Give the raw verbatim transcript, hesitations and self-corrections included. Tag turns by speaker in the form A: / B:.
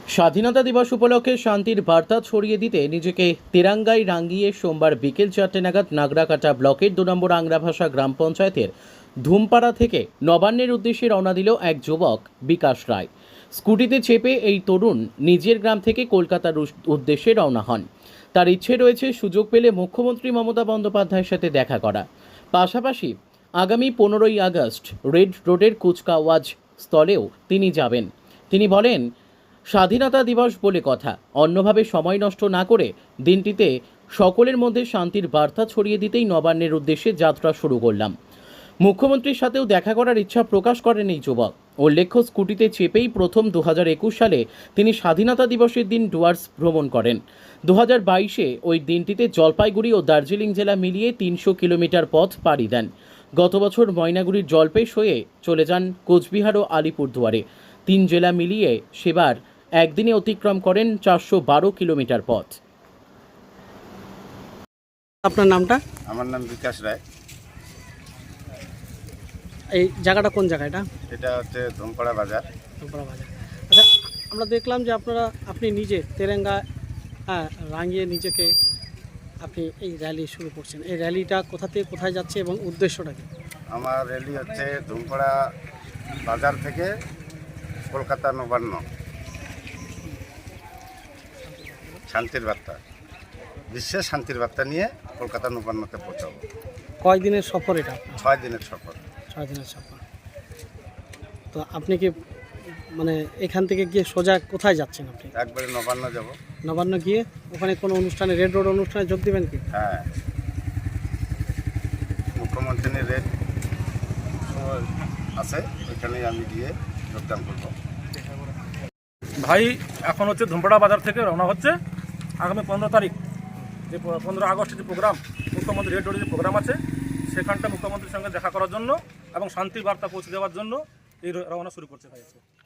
A: স্বাধীনতা দিবস উপলক্ষে শান্তির বার্তা ছড়িয়ে দিতে নিজেকে তেরাঙ্গায় রাঙিয়ে সোমবার বিকেল চারটে নাগাদ নাগরাকাটা ব্লকের দু নম্বর আংরাভাষা গ্রাম পঞ্চায়েতের ধুমপাড়া থেকে নবান্নের উদ্দেশ্যে রওনা দিল এক যুবক বিকাশ রায়। স্কুটিতে চেপে এই তরুণ নিজের গ্রাম থেকে কলকাতার উদ্দেশ্যে রওনা হন। তার ইচ্ছে রয়েছে সুযোগ পেলে মুখ্যমন্ত্রী মমতা বন্দ্যোপাধ্যায়ের সাথে দেখা করা। পাশাপাশি আগামী পনেরোই আগস্ট রেড রোডের কুচকাওয়াজ স্থলেও তিনি যাবেন। তিনি বলেন, স্বাধীনতা দিবস বলে কথা, অন্যভাবে সময় নষ্ট না করে দিনটিতে সকলের মধ্যে শান্তির বার্তা ছড়িয়ে দিতেই নবান্নের উদ্দেশ্যে যাত্রা শুরু করলাম। মুখ্যমন্ত্রীর সাথেও দেখা করার ইচ্ছা প্রকাশ করেন এই যুবক। উল্লেখ্য, স্কুটিতে চেপেই প্রথম দু হাজার একুশ সালে তিনি স্বাধীনতা দিবসের দিন ডুয়ার্স ভ্রমণ করেন। দু হাজার বাইশে ওই দিনটিতে জলপাইগুড়ি ও দার্জিলিং জেলা মিলিয়ে তিনশো কিলোমিটার পথ পাড়ি দেন। গত বছর ময়নাগুড়ির জলপেশ হয়ে চলে যান কোচবিহার ও আলিপুরদুয়ারে। তিন জেলা মিলিয়ে সেবার একদিনে অতিক্রম করেন চারশো বারো কিলোমিটার পথ।
B: আপনার নামটা?
C: আমার নাম বিকাশ রায়।
B: এই জায়গাটা কোন জায়গা? এটা
C: এটা হচ্ছে ধুমপাড়া বাজার।
B: ধুমপাড়া বাজার। আচ্ছা, আমরা দেখলাম যে আপনারা আপনি নিজে তেরেঙ্গা হ্যাঁ রাঙিয়ে নিজেকে আপনি এই র্যালি শুরু করছেন। এই র্যালিটা কোথা থেকে কোথায় যাচ্ছে এবং উদ্দেশ্যটা কি?
C: আমার র্যালি হচ্ছে ধুমপাড়া বাজার থেকে কলকাতা নবান্ন শান্তির বার্তা, বিশ্বের শান্তির বার্তা নিয়ে কলকাতা নবান্নতে পৌঁছাবো।
B: কয় দিনের সফর এটা?
C: ছয় দিনের সফর।
B: ছয় দিনের সফর। তো আপনি কি মানে এখান থেকে গিয়ে সোজা কোথায় যাচ্ছেন আপনি?
C: একবারে নবান্ন যাব।
B: নবান্ন গিয়ে ওখানে কোনো অনুষ্ঠানে, রেড রোড অনুষ্ঠানে যোগ দেবেন কি?
C: হ্যাঁ, মুখ্যমন্ত্রীর রেড আছে, ওইখানেই আমি গিয়ে যোগদান করবো।
D: ভাই এখন হচ্ছে ধুমপাড়া বাজার থেকে রওনা হচ্ছে। আগামী পনেরো তারিখ যে পনেরো আগস্টের যে প্রোগ্রাম, মুখ্যমন্ত্রী রেড রোডের যে প্রোগ্রাম আছে, সেখানটা মুখ্যমন্ত্রীর সঙ্গে দেখা করার জন্য এবং শান্তি বার্তা পৌঁছে দেওয়ার জন্য এই রওনা শুরু করছে ভাই।